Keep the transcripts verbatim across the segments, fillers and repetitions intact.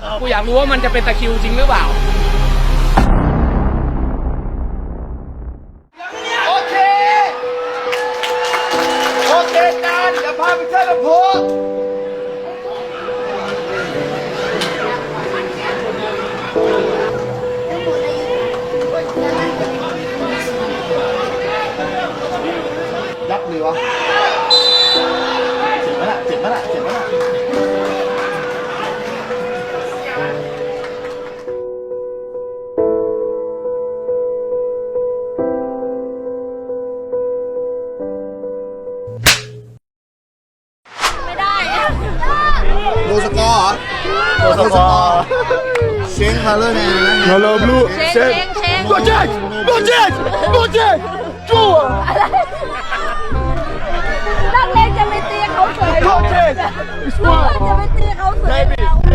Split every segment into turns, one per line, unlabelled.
กูอยากรู้ว่ามันจะเป็นตะคริวจริงหรือเปล่า
โอเคโอเคจานเดี๋ยวพาไปเที่ยวลำพูนยับเลยวะเจ็บไหมล่ะเจ็บไหมล่ะเจ็บไหมล่ะโลสกอร์เหรอโลสกอร์เชงคาร์เลอร์แมนนะฮัลโหลบลู
เชงเชงเชง
โปรเจกต์โปรเจกต์โปรเจกต์จู๊
นักเลงจะไปตีเขาเฉยโปรเจกต์จะไปตีเขาเฉย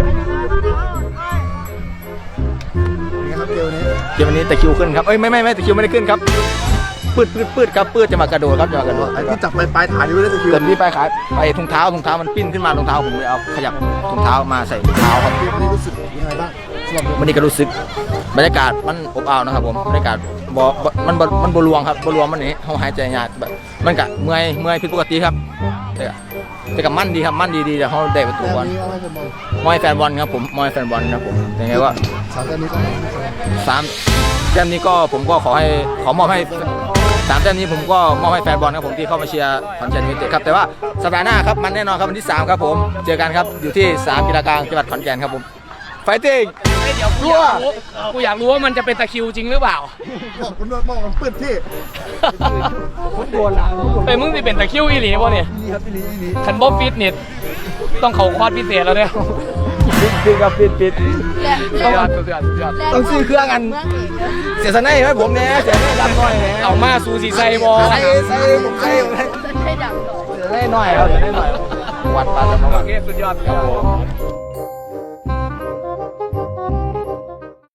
ครับเกมนี้
เกมวันนี้ตะคริวขึ้นครับเอ้ยไม่ไม่ไม่ตะคริวไม่ได้ขึ้นครับปืดปืดปืดครับปืดจะมากระโดดครับจะมากระโดด
ไอ้ที่จับไปปลายฐานนี่ไม่ได้ตะคิว
เกิดที่ไปขายไปถุงเท้าถุงเท้ามันปิ้นขึ้นมาถุงเท้าผมเลยเอาขยับถุงเท้ามาใส่ถุงเท้าครับ
เกมนี้รู้สึกยังไงบ้างสำหรับ
วันนี้ก็รู้สึกบรรยากาศมันอบอ้าวนะครับผมบรรยากาศบ่มันบ่มันบรวงครับบรวงมันนี่เขาหายใจยากแบบมันกะเมื่อยเมื่อยผิดปกติครับแต่กะแต่กับมั่นดีครับมั่นดีดีแต่เขาได้ประตูบอล
นี้อะไรเป็นบอล
มอยแฟนบอลครับผมมอยแฟนบอลครับผมยังไงว่า
สามเกมนี้ก็ไม่ใช่
สามแต้มนี้ก็ผมก็ขอให้ขอมอบให้สามแต้มนี้ผมก็มอบให้แฟนบอลครับผมที่เข้ามาเชียร์ขอนแก่นยูไนเต็ดครับแต่ว่าสัปดาห์หน้าครับมันแน่นอนครับวันที่สามครับผมเจอกันครับอยู่ที่สนามกีฬากลางจังหวัดขอนแก่นครับผมไฟติ้ง
เดี๋ยวกูอยากรู้กูอยากรู้ว่ามันจะเป็นตะคริวจริงหรือเปล่า
บอกคุณบอกมันปื้ดที่
ผมโดนละ
เฮ้ยมึงสิเป็นตะคริวอีหลีป่ะเนี่ย
นี่ครับพี่ลีนี่
คันบ๊อบฟิตเน็ตต้องเขาคอร์สพิเศษแล้วเนี่ย
ปิดครับปิดปิด
สุดยอดสุดยอดสุดยอด
ต้องซื้อเครื่องกันเสียสนัยให้ผมเนี่ยเสียสนัยดำหน่อยเนี่ย
เอามาซูซีไซบอล
ใส่ใส่ผมใส่ผมใส่
ให้ดัง
เสียสนัยหน่อยครับเสียสนัยหน่อยวัดปลาสมอง
โอเคสุดยอดครับผม